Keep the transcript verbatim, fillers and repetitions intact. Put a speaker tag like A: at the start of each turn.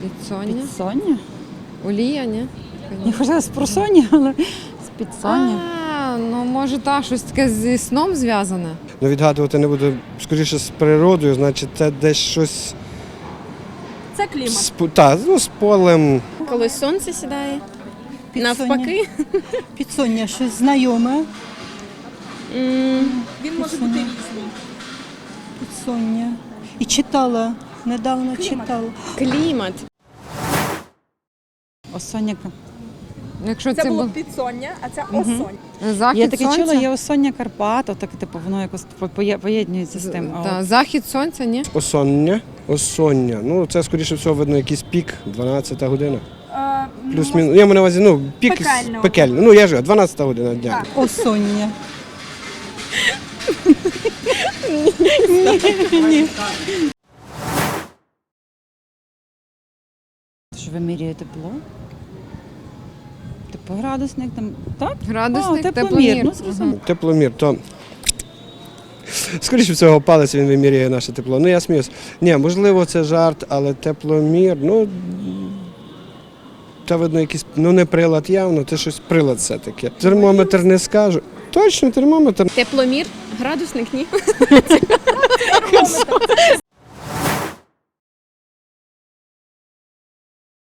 A: Підсоння?
B: Підсоння?
A: Олія, ні?
B: Я хотіла з просоння, але з підсоння.
A: А, ну може та щось таке зі сном зв'язане.
C: Ну, відгадувати не буду, скоріше з природою, значить це десь щось
D: Це клімат.
C: з, та, ну, з полем.
E: Коли сонце сідає,
B: Підсоння.
E: навпаки.
B: Підсоння, щось знайоме.
D: Він може бути різний.
B: Підсоння. І читала, недавно читала.
E: Клімат.
B: Осоння.
A: Якщо
D: Це
A: це,
D: було
A: був
D: підсоння, а це осонь.
A: захід
B: Я таке
A: сонця.
B: чула, є осоння Карпат, так типу воно якось поє- поєднується з тим. А
A: Та,
B: от
A: захід сонця, ні?
C: Осоння. Осоння. Ну, це, скоріше всього, видно, якийсь пік, дванадцята година.
D: Е, ну,
C: Плюс-мінус. Я маю на увазі, ну, пік
D: Пекельного.
C: пекельний. Ну, я ж дванадцята година дня.
D: Так.
B: осоння. Що вимірює тепло? Типу градусник там, так?
A: Градусник,
B: А,
A: тепломір.
B: Ну, зрозуміло.
C: Тепломір, то. Скоріше всього, палець він вимірює наше тепло. Ну, я сміюсь. Ні, можливо, це жарт, але тепломір, ну. Та видно, якийсь, ну не прилад явно, це щось прилад все-таки. Термометр не скажу. Точно, термометр.
E: Тепломір, градусник, ні.